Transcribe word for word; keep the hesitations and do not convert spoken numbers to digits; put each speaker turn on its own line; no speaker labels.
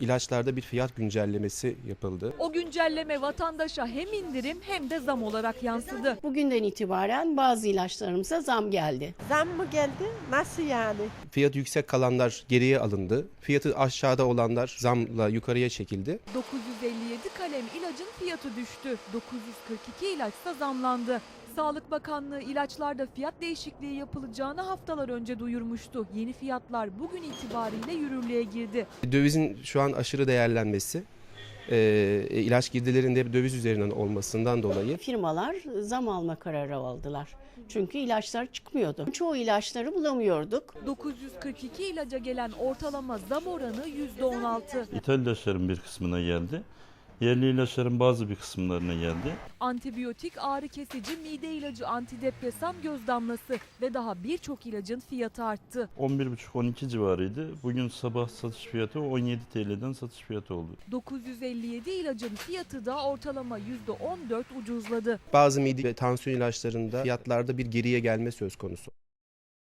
ilaçlarda bir fiyat güncellemesi yapıldı.
O güncelleme vatandaşa hem indirim hem de zam olarak yansıdı.
Bugünden itibaren bazı ilaçlarımıza zam geldi.
Zam mı geldi? Nasıl yani?
Fiyatı yüksek kalanlar geriye alındı. Fiyatı aşağıda olanlar zamla yukarıya çekildi.
dokuz yüz elli yedi kalem ilacın fiyatı düştü. dokuz yüz kırk iki ilaçsa zamlandı. Sağlık Bakanlığı ilaçlarda fiyat değişikliği yapılacağını haftalar önce duyurmuştu. Yeni fiyatlar bugün itibariyle yürürlüğe girdi.
Dövizin şu an aşırı değerlenmesi, e, ilaç girdilerinde döviz üzerinden olmasından dolayı
Firmalar zam alma kararı aldılar. Çünkü ilaçlar çıkmıyordu. Çoğu ilaçları bulamıyorduk.
dokuz yüz kırk iki ilaca gelen ortalama zam oranı yüzde on altı.
İthal ilaçların bir kısmına geldi. Yerli ilaçların bazı bir kısımlarına geldi.
Antibiyotik, ağrı kesici, mide ilacı, antidepresan, göz damlası ve daha birçok ilacın fiyatı arttı.
on bir buçuk on iki civarıydı. Bugün sabah satış fiyatı on yedi T L'den satış fiyatı oldu.
dokuz yüz elli yedi ilacın fiyatı da ortalama yüzde on dört ucuzladı.
bazı mide ve tansiyon ilaçlarında fiyatlarda bir geriye gelme söz konusu.